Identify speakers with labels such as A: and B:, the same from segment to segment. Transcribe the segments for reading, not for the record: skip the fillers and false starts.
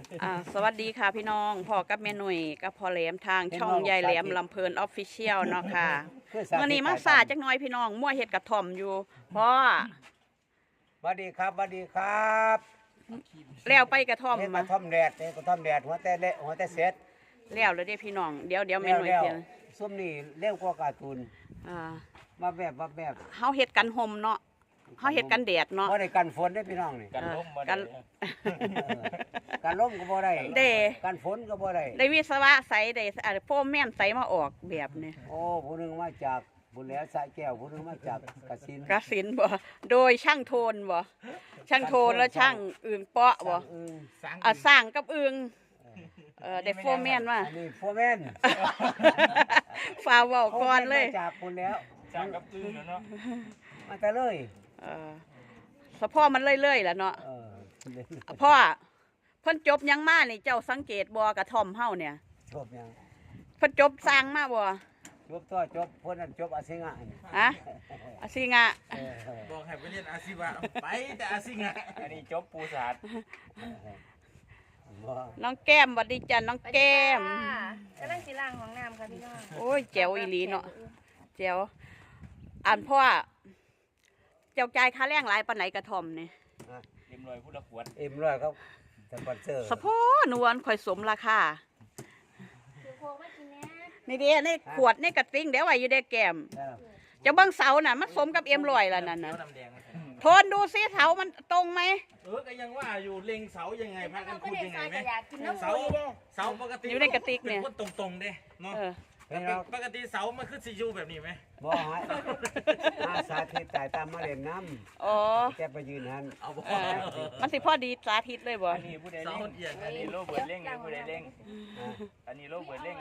A: สวัสดีค่ะพี่น้องพ่อกับแม่หนุ่ยกับพ่อแหลมทางช่องยายแหลมลำเพลินออฟฟิเชียลเนาะค่ะเมื่อนี้มาสาจักหน่อยพี่น้องมั่วเห็ดกระถ่อมอยู่พ่อ
B: สวัสดีครับสวัสดีครับ
A: แล้วไปกระท่อม
B: ก
A: มา
B: ระท่อมแดดกระท่อมแดดหัวแต่เละหัวแต่เสร็จ
A: แล้วเลยเด้พี่น้องเดี๋ยวแม่หนุ่ยเพียง
B: ซุ่มนี่เลี้ยงกว่าการ์ตูนมาแบบ
A: เฮาเห็ดกันห่มเนาะเฮาเห็ดกันแดดเนาะ
B: บ่ได้กันฝนได้พี่น้องนี่
C: กันล้มมา
A: กัน
B: กันลมก็บ่ได้
A: เด้
B: กันฝนก็บ่ได้
A: ได้วิศวะใสได้โฟมแม่นใสมาออกแบบนี้
B: โอ้ผู้หนึงมาจากบุญแล้วสระแก้วผู้หนึงมาจากกสิน
A: กสินบ่โดยช่างโทนบ่ช่างโทนแล้วช่างอื่นเปาะบ่สร้างกับอึงได้โฟมแม่นว่า
B: อันนี้โฟร์แมน
A: ฟ้าเว้าก่อนเลย
B: มาจากบุญแล้ว
C: จ้างกับตื้นเนาะ
B: มาแต่เลย
A: สะพ่อมันเรื่อยๆแหละเนาะ พ่อเพิ่นจบยังมานี่เจ้าสังเกตบ่กระท่อมเฮาเนี่ย
B: จบยัง
A: เพิ่นจบสร้างมาบ่
B: จบตัวจบพ้นนั้นจบอาเซียน
A: ฮะอาซิงะ
C: บอกให้ไปเรียนอาชีวะไปแต่อาชีงะอันนี้จบปูศาสตร์
A: น้องแก้มสวัสดีจ้ะน้องแก้ม
D: กำลังสิล้างห้องน้ำค่ะพี่น้อง
A: โอ้ยแจ๋วอีหลีเนาะแจ๋วอ่านพ่อเจ้าจ่ายค่าแรงหลายปานไหนกระท่อมนี่
C: เรียบร้อยพูดละขวด
B: เอ็มร้อยครับสปอนเซอร์
A: สะพ่อนวลค่อยสมราคา
D: คือโคไม่กินแน่
A: นี่เด้ในขวดในกระติ่งเดี๋ยวไว้อยู่ได้แก้มเจ้าเบิ่งเสาน่ะมันสมกับเอ็มร้อยแล้วนั่นน่ะ
C: น้ำแดง
A: โทนดูซิเสามันตรงไหม
C: ก็ยังว่าอยู่เล็งเสายังไงพากัน
D: ก็
C: พูด
D: ได้
C: ยังไง
D: ซอย
C: ไหม
D: กระยากินน้ำ
C: เสา
D: ปุยเด้อ
C: เสาปกติ
A: อยู่ในกระติกเนี่ย
C: เป็นคนตรงๆเด้เนาะ ปกติเสามันคือซียูแบบนี้ไหม
B: บ่ให้สาธิตตายตามมาเล่นน้ำ
A: อ๋อ
B: แกไปยืนหัน
C: เอาบ่
A: มันสิพอดีสาธิตเลยบ่
E: อันนี้ผู้ใดเล่งอันนี้โลเบิร์ดเล่งผู้ใดเล่งอันนี้โลเบิร์ดเล่ง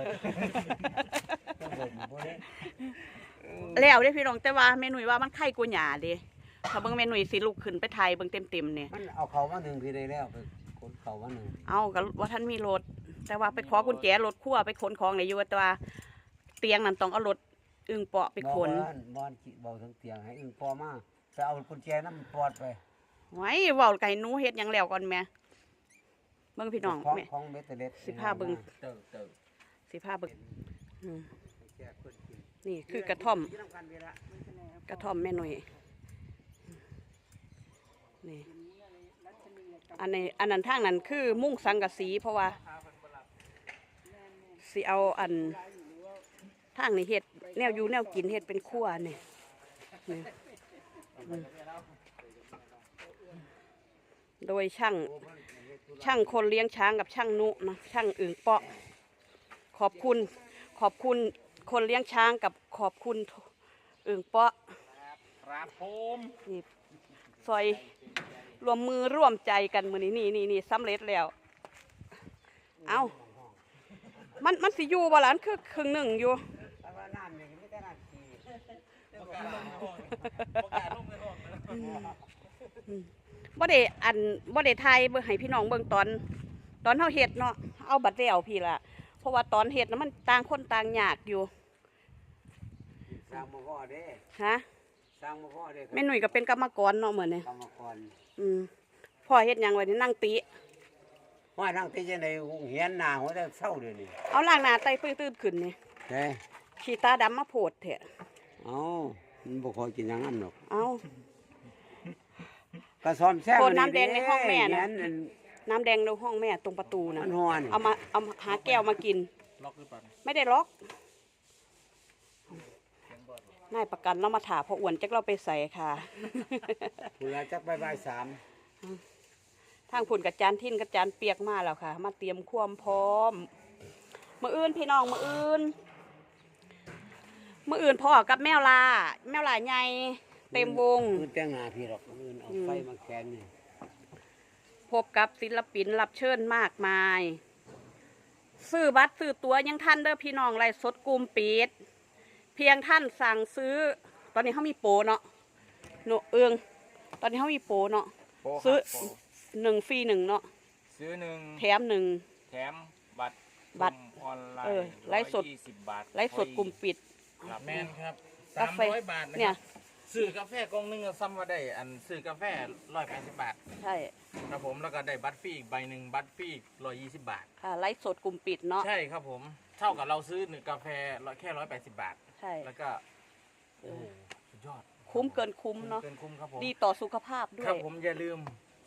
A: แล้วเด้พี่น้องแต่ว่าแม่หนุ่ยว่ามันไข่กูหยาเด้ถ้าเบิ่งแม่หนุ่ยสิลุกขึ้นไปไทยเบิ่งเต็มๆเนี่ย
B: มันเอาเขามาหนึ่งทีได้แล้วไปขนเขามาหนึ่ง
A: เอาก็ว่าท่านมีรถแต่ว่าไปขอกุญแจรถคั่วไปขนของได้อยู่แต่ว่าเตียงนั่นต้องเอารถอึ่งเปาะไปขน
B: บอนจิเบาทั้งเตียงให้อึ้งพอมาไปเอากุญแจน้ำปอดไป
A: ไว้เว้าไก่หนูเฮ็ดหยังแล้วก่อนแม่เบิ่งพี่น้องแม่
B: ของเบตเตอร์เล็ด
A: สิพาเบิ่ง
C: เติบ
A: สิพาเบิ่งอืมนี่คือกระท่อมกระท่อมแม่หนุ่ยนี่อันนั้นทางนั้นคือมุ้งสังกะสีเพราะว่าสิเอาอันทางนี้เฮ็ดแนวอยู่แนวกินเฮ็ดเป็นครัวนี่นี่โดยช่างคนเลี้ยงช้างกับช่างนุนะช่างอึ่งเปาะขอบคุณคนเลี้ยงช้างกับขอบคุณอึ่งเปาะ
C: ครับผม
A: นี่ซอยรวมมือร่วมใจกันมือนี้นี่สำเร็จแล้วเอามันสิอยู่บ่ล่ะคือครึ่งหนึ่งอยู่
B: แต่ว่าน้ำนี่ไม่ได้น้ำขี้
C: ประกาศลงในห้องนะ
A: บ่ได้ไทยเบิ่งให้พี่น้องเบิ่งตอนเฮาเฮ็ดเนาะเอาบัดแล้วพี่ล่ะเพราะว่าตอนเฮ็ดน่ะมันต่างคนต่างยากอยู่
B: สร้างมาพ่อเด้
A: ฮะ
B: สร้างมาพ่อเด้
A: แม่หนุ่ยก็เป็นกรรมกรเนาะเหมือนนี่
B: กรรมกร
A: พ่อเฮ็ดหยังไว้นี่นั่งติ
B: ว่านั่งที่จะในเหียนหน้าหัวจะเศร้าเดี๋ยวนี้
A: เอาล้างหน้าไตตื้นๆขึ้นนี่
B: เด้
A: ขี้ตาดำมาโพดแท้
B: เอามันบ่คอยกินอย่างนั้นหรอก
A: เอา
B: กระซอมแซ่บ
A: โคนน้ำแดงในห้องแม่น่ะ
B: เหีย
A: น้ำแดงในห้องแม่ตรงประตูนะ
B: มันฮ้อน
A: เอาหาแก้วมากิน
C: ล็อกหรือเปล่า
A: ไม่ได้ล็อกนายประกันเรามาถามพออ้วนจักเราไปใส่ค่ะ
B: เวลาจักบ่ายสาม
A: ทางผุ่นกับจานทิ้นกับจานเปียกมาแล้วค่ะ มาเตรียมความพร้อมมื้ออื่นพี่น้องมื้ออื่นพ่อกับแมวลาใหญ่เต็มวง
B: คือแต่งหน้าพี่หรอกอื่นเอาไฟมาแคนนี่
A: พบกับศิลปินรับเชิญมากมาย ซื้อบัตรซื้อตั๋วยังท่านเด้อพี่น้องไลฟ์สดกลุ่มปิดเพียงท่านสั่งซื้อ ตอนนี้เขามีโปรเนาะโนตอนนี้เขามีโปรเนาะซื้อ1 ฟรี 1เนาะ
E: ซื้อหนึ่ง
A: แถม1
E: แถมบัตร
A: บัตร
E: ออนไล
A: เออ
E: น์
A: ไลฟ์สด
E: 120 บาท
A: ไลฟ์สดกลุ่มปิด
C: แมนครับ
A: กาแฟ
C: 300 บาทนะ
A: เนี่
C: ค
A: ย
C: รับซื้อกาแฟกล่องหนึงก็ซ้ำว่าได้อันซื้อกาแฟ180 บาท
A: ใช่
C: ครับผมแล้วก็ได้บัตรฟรีอีกใบหนึ่งบัตรฟรีอีก120 บาท
A: ค่ะไลฟ์สดกลุ่มปิดเนาะ
C: ใช่ครับผมเท่ากับเราซื้อหนึ่งกาแฟแค่180 บาท
A: ใช่
C: แล้วก็โอ้โหสุดยอด
A: คุ้มเกินคุ้มเนาะ
C: เกินคุ้มครับผม
A: ดีต่อสุขภาพด้
C: คว รั
A: ย
C: บผมอย่าลืม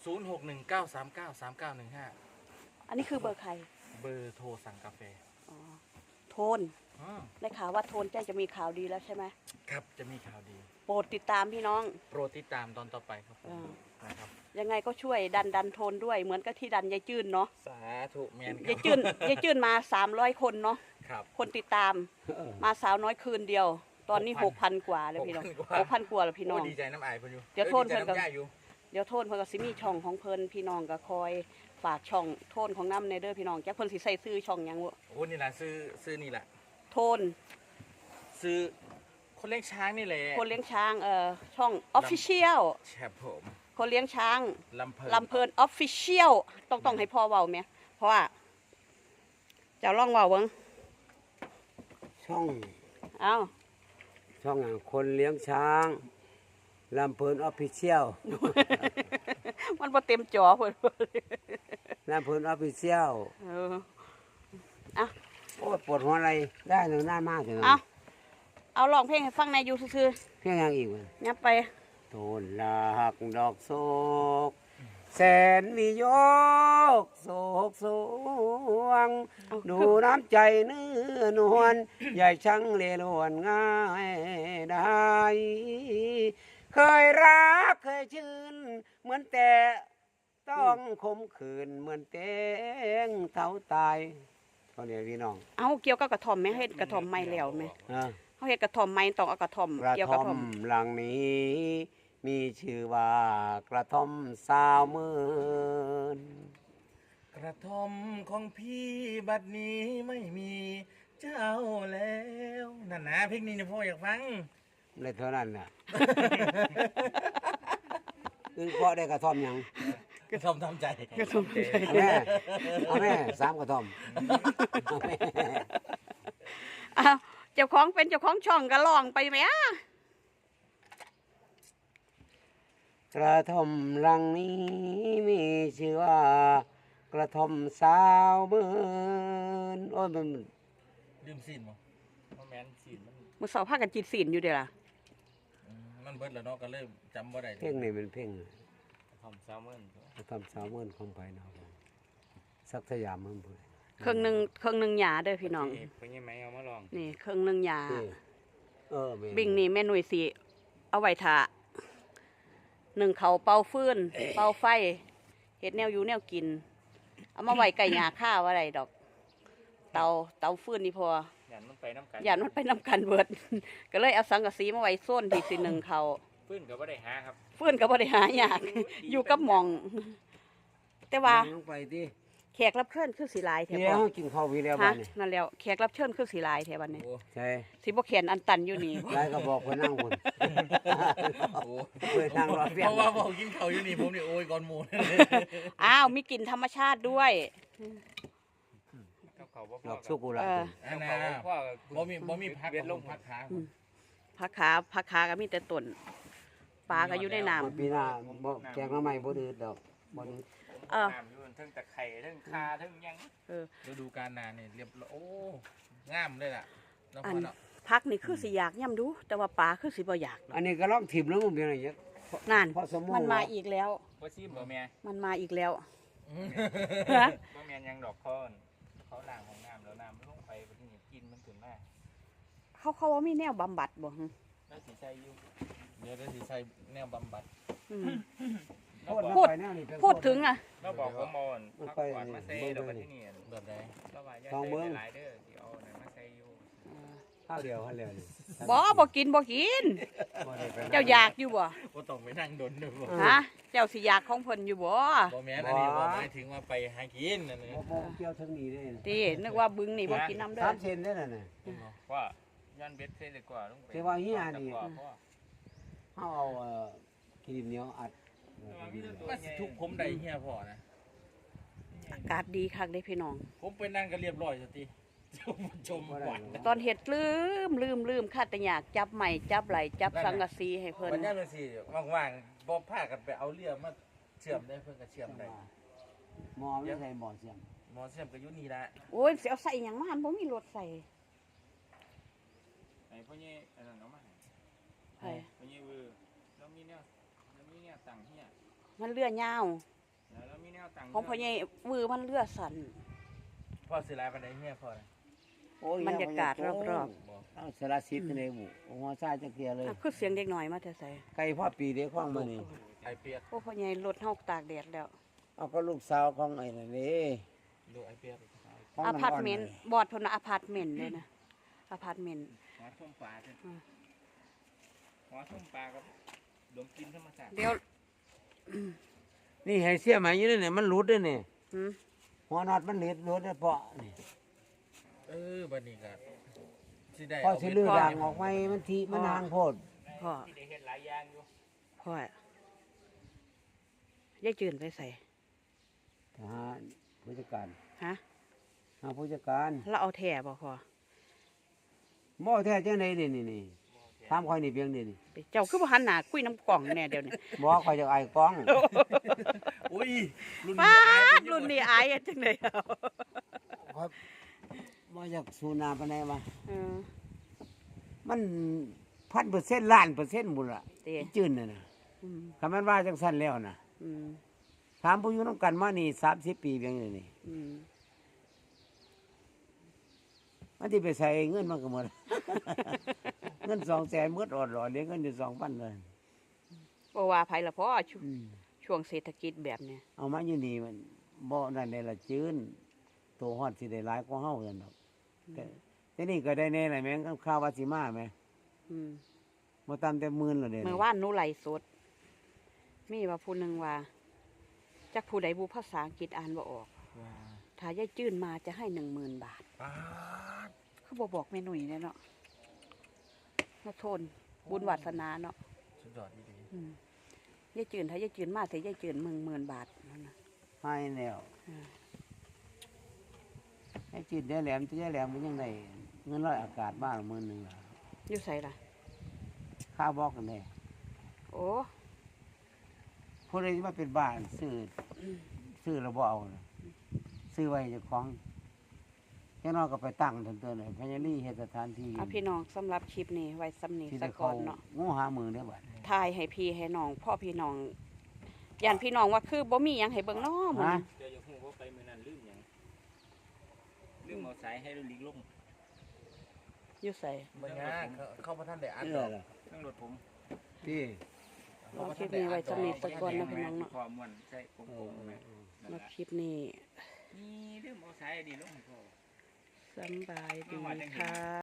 C: 0619393915
A: อันนี้คือเบอร์ใคร
C: เบอร์โทรสั่งกาแฟ
A: อ๋อโทนได้ข่าวว่าโทนแจ้จะมีข่าวดีแล้วใช่ไหม
C: ครับจะมีข่าวดี
A: โปรดติดตามพี่น้อง
C: โปรดติดตามตอนต่อไปครับผม
A: อ่า
C: นะครับ
A: ยังไงก็ช่วยดันโทนด้วยเหมือนกับที่ดันยายจื้นเนาะ
C: สาธุแมน
A: ยายจื้นมา300 คนเนาะ
C: ครับ
A: คนติดตาม
B: เออ
A: มาสาวน้อยคืนเดียว ตอนนี้ 6,000 กว่าแล้วพี่น้อง 6,000 กว่าแล้วพี่น้อง
C: โดีใจน้ำอายเพิ่นอยู่
A: เดี๋ยวโทษ
C: ดีใจ
A: เพิ่นก็
C: น้ำย่าอยู่
A: เดี๋ยวโทนเพิ่นก็สิมีช่องของเพิ่นพี่น้องก็คอยฝากช่องโทนของน้ำในเด้อพี่น้องจักเพิ่นสิใส่ซื้อช่องหยังบ่
C: โอ้นี่แหละซื้อนี่แหละ
A: โทน
C: ซื้อคนเลี้ยงช้างนี่แหละ
A: คนเลี้ยงช้างช่อง Official
C: แชบผม
A: คนเลี้ยงช้าง
C: ลำเพลิน
A: ลำเพลิน Official ต้องให้พ่อเว้าแม่เพราะว่าเจ้าลองเว้าเบิ่ง
B: ช่อง
A: เอ้า
B: ช่องอย่างคนเลี้ยงช้างลำเพลินออฟฟิเชียล
A: มันบ่เต็มจอเพิ่น
B: ลำเพลินออฟฟิเชียล
A: เอออ่ะ
B: โอ้ยปวดหัวอะไรได้เลยหน้ามากเลย
A: เอาร้องเพลงให้ฟังในอยู่ซื่อ
B: เพียงอย่างอีกวะ
A: ๆยับไป
B: โทนหลักดอกโศกแสนมีโยกโศกสวง ดูน้ำใจเนื้อนวลใหญ่ช่างเลลวนง่ายได้ เคยรักเคยชื่น เหมือนแต่ต้องคมขืนเหมือนเต้งเท้าตายตอนนี้พี่น้อง
A: เอาเกี่ยวกับกระท่อมแม่เฮ็ดกระท่อมใหม่แล้วแม่
B: อ่ะ
A: เฮาเฮ็ดกระท่อมใหม่ต้องเอากระท่อม
B: กระ
A: เกี่ยวกับ
B: ท่
A: ก
B: อ
A: ระ
B: ม
A: ท่อม
B: หลังนี้ มีชื่อว่ากระท่อมสาวเมืน
C: กระท่อมของพี่บัดนี้ไม่มีเจ้าแล้วนั่นนะเพลงนี้เนี่ยพ่ออยากฟัง
B: เลยเท่านั้นน่ะ อึ้งเพราะได้กระท่อมหยัง
C: กระท่อมทำใจ
A: กระท่อมใจ
B: เอาแม่3กระท่อมเอาแม่
A: อ้าวเจ้าของเป็นเจ้าของช่องก็ร้องไปแหม
B: กระท่อมหลังนี้มีชื่อว่ากระท่อมสาวเมืนโอ้ยมัน
C: ลืมสิ้นมั้ง
E: เพราะแมนสีมัน
A: มื้อเช้าพากันจิตศีลอยู่เด้อล่ะ
C: มันเบิดแล้วเนาะก็เริ่มจำบ่ได้
B: เพลงนี้เป็นเพลง
E: ทำแซลมอน
B: กระท่อมสาวเมืนของไปเนาะสักสยามเมืองพุ่น
A: เครื่องหนึงหยาเด้อพี่น้อง
E: เอกเป็นยังไงเอามาลอง
A: นี่เครื่องหนึงหยา
B: แม่
A: บิ่งนี่แม่หนุ่ยสิเอาไว้ท่าหนึ่งเขาเป่าฟืน เป่าไฟเฮ็ดแนวอยู่แนวกิน เอามาไว้ไก่หยาข้าวอะไรดอก เตาฟืนนี่พอ
E: อย่ามันไปน้ำกัน
A: อย่ามันไปนำกันเบิด ก็เลยเอาสังกะสีมาไว้โซนที่สิหนึ่งเขา
E: ฟื้นก็ไม่ได้หาครับ
A: ฟืนก็บ่ได้หายาก อยู่กับหมอง แต่ว่า
B: ลงไปดิ
A: แขกรับเชิญคือสีลายแถว
B: เดี๋ยว
A: บ่
B: กินข้าววีแล้ว
A: ฮะ
B: บ้านนี่
A: นั่นแล้วแขกรับเชิญคือสีลายแถวบัดนี้
C: โอ้
B: ใช่
A: สิบ่เขียนอันตันอยู่นี่
B: ยายก็บอกคนนั่งคน
C: โห
B: เคยนั่งรอเฟีย
C: เพ
B: ง
C: ราะว่าบอกกินเขาวอยู่นี่ผมนี่โอ้ยก่อนหมู
A: อ้าวมีกลิ่นธรรมชาติด้วย
E: กับเขาบ่
B: ด
E: พ่
B: อ
E: อก
B: สุกุระ
A: เออ
C: อัน
E: กับ
C: น่ะ
E: เขาบ่พ่อ
C: บ่มีพัก
E: เวียนลง
C: พักขา
A: ผักขาก็มีแต่ต้นปลาก็อยู่ในน้ำ
B: ปีหน้าบ่แกงหน้ำใหม่บ่ดื้อดอกบ่ดื้อ
A: เออ
E: น้ำอยู่ทั้งตะไคร้ทั้งคาทั้งหยัง
C: ฤดูกาลหนาเนี่ยเรียบร้อยโอ้งามเลยล่ะน้อง
A: อั
C: พ่อน เนาะ
A: ผักนี่คือสิอยากย่ำดู แต่ว่าปลาคือสิบ่อยาก
B: อันนี้ก็ลองถิ่มแล้วมันเป็นอะไรเงี้ย
A: นั่น
B: พอสมมุติ
A: มันมาอีกแล้ว
E: บ่ซิมบ่แม่
A: มันมาอีกแล้ว
E: บ่แม่นหยังดอกเขาล้างของน้ำแล้วน้ำมันลงไปบ่ที่นี่กินมันขึ้นมา
A: เขาว่ามีแนวบำบัดบ่หึ
E: แล้วสิใส่อยู่
C: เดี๋ยวได้สิใส่แนวบำบัด
A: อืม
E: เราบ
A: พู
E: อก
A: ด พูดถึงอ่ะ
E: เราบอกผมบ่อนพักผ่อนมาใส่ดอกที่นี่
C: แบบใด
E: เราว่าอย่าใส่หลายเด้อสิเอานั่นมาใส่อยู่
B: ข้าวเดียวข้าวเดียวนี่
A: บ่กินบ่กิน
B: บ่ได้ไปนั่ง
A: เจ้าอยากอยู่บ่
C: บ่ต้องไปนั่งดนเด้อบ่
A: ฮะเจ้าสิอยากของเพิ่นอยู่บ่
C: บ่แม่นอันนี้บ่หมายถึงว่าไปหากินนั่นเอง
B: บ่เกี่ยวถึงนี้เด้
A: ตินึกว่าบึงนี่บ่กินน้ำเด้อ
B: 3เซนได้นั่นน่ะ
E: ว่าย้อนเบ็ดใส่ดีกว่าลงไป
B: แต่ว่าเฮียนี่
E: กว่าเพราะว่า
B: เฮาเอาขี้ดินเหนียวอัด
C: ก็สิทุกผมได้เฮียพ่อนะ
A: อากาศดีคักเด้พี่น้อง
C: ผมไปนั่งก็เรียบร้อยสติชมหวาน
A: ตอนเห็ดลืมคาดแต่อยากจับใหม่จับไหลจับสังกะสีให้เพิ่น
C: วันนี้เป็นสิว่างๆบ่พากันไปเอาเรือมาเชื่อมได้เพิ่นก็เชื่อมได้
B: หมอไม่ใช่หมอเสียง
C: หมอเชื่อมก็อยู่นี่ละ
A: โอ้ยสิเอาใส่หยังมาหันบ่มีรถใส่
E: ไอ้พ่อเนี่ยอันนั้นเอามาให้
A: ไผ
E: พ่อเนี่ยเวอร์แล้วมีแนวตังเฮีย
A: มันเรือยาว
E: แล้วมีแนวตัง
A: ของพ่อใหญ่วือมันเรือสั่น
C: พ่อสิลายปานใดเฮียพ่อน่ะ
B: โอ้ย
A: บรรยากาศรอบ
B: เอาสารสิทธิ์ในบุหัวซ่าจะเกลียเลย
A: อ่ะคือเสียงเด็กหน่อยมาแต่ใส่
B: ไก่พ่อปีเด็กข้องมานี่
C: ไอเปียก
A: โอ้พ่อใหญ่รถเฮาตากแดดแล้ว
B: เอาก็ลูกสาวของไอ้นั่นนี่
C: ดูไอเปียก
B: ของ
A: อ
B: น้ำ
A: พาร์ตเมนต์บอดเพิ่นน่ะอพาร์ตเมนต์เลยนะอพาร์ตเมนต์
E: หัวส้มปลาหัวส้มปลากับดมกินธรรมชาติ
A: เดี๋ยว
B: นี่ให้เสียไหมอยู่นี่เนี่ยมันหลุดด้วยนี่
A: หืม
B: หัวน็อตมันหลุดได้เพราะนี่
C: บัดนี้ก็สิได้
B: พอสิลือด่างออกไว้มันทีมันนางโพด
A: พ่อ
E: ที่ได้เห็นหลายอย่างอยู่
A: พ่อยายจืนไปใส่
B: ทหารผู้จัดการ
A: ฮะ
B: หาผู้จัดการ
A: แล้วเอาแถ่บ่พ่อ
B: หม้อแท้จังไดนี่ถามข่อยนี่เพียงนี่
A: ไปเจ้าคือบ่หันหน้าคุยน้ำกล่องแน่เดี๋ยวนี้
B: บ่ข่อยจะไอ้กล้อง
C: อุ้ยรุ่น
A: ป้า
C: นี้อาย
A: ดรุ่นนี้อายอะจังได๋เอา
B: ข่อยบ่อยากสูนาปานใดว่า
A: เออ
B: มัน1,000%ล้านเปอร์เซ็นต์บุญล่ะ
A: เต้
B: จื้นน่ะนะ
A: อืม
B: คำมันว่าจังซั่นแล้วน่ะ
A: อืม
B: ถามผู้อยู่นำกันมานี่30 ปีเพียงนี่
A: อืม
B: มันที่ไปใส่เงินมันก็หมด เงิน200,000หมดออดๆเหลือเงินอยู่ 2,000 เลย
A: บ่ว่าไผละพ่อ
B: อืม
A: ช่วงเศรษฐกิจแบบเนี้ย
B: เอามาอยู่นี่มันบ่นั่นได้ละจื้นตัวฮอดสิได้หลายกว่าเฮาซั่นดอกแต่นี่ก็ได้แน่แหละแม่งข่าวว่าสิมาแหม
A: อืม
B: บ่ต่ำแต่10,000แล้วเด้
A: เมื่อวานหนูไลฟ์สด มีว่าผู้หนึงว่าจักผู้ใดผู้ภาษาอังกฤษอ่านบ่ออก ถ้ายายจื้นมาจะให้10,000 บาท
C: ป๊าด
A: คือบ่บอกแม่หนุ่ยแน่เนาะมาโทนบุญวาสนาเนาะ
C: สุดยอดดี
A: อืมยายจืนถ้ายายจืนมาแต่ยายจืน10,000 บาทนั่นน่ะ
B: ให้แล้ว
A: อืม
B: ไอ้จิตได้แหลมจะได้แหลมมันยังได้เงินร้อยอากาศบ้านมื้อนึงล่ะ
A: อยู่ไสล่ะ
B: ค่าบอกกันแน่
A: โอ้
B: ผู้ใดที่มาเป็นบ้านซื้อแล้วบ่เอาน่ะซื้อไว้เจ้าของแค่น้อยก็ไปตั้งทันเตือนเลยพญาลีเฮ็ดสถานที่
A: เอาพี่น้องสำหรับคลิปนี้ไว้สำนี
B: ที่
A: สะ
B: ได้
A: ก่
B: เขา
A: อนเนาะ
B: งูหามือได้อบัด
A: ทายให้พี่ให้น้องพ่อพี่น้องย่านพี่น้องว่าคือบ่มีหยังให้เบิ่งเนาะหมื้อ
B: ฮะ
A: นี้
E: เจออยู่หูว่าไปมื้อนั้นลืมหยังลืมเอาสายให้ลิงลง
A: อยู่ไส
C: ๆมันยากเข้ามาท่านได้อ่าน
B: เอ
C: ด
B: อ
C: อก
B: ล่ะ
E: เครื่องรถผม
B: ที่
A: เอาคลิปนี้ไว้สำนีสะก่อนเนาะพี่น้องเนาะ
E: พอม่วนใช่โป่งๆนะนั่น
A: มา
E: ล่ะ
A: คลิปนี้
E: นี่ลืมเอาสายอันนี้ลงให้พ่อ
A: สำบายดีค่ะ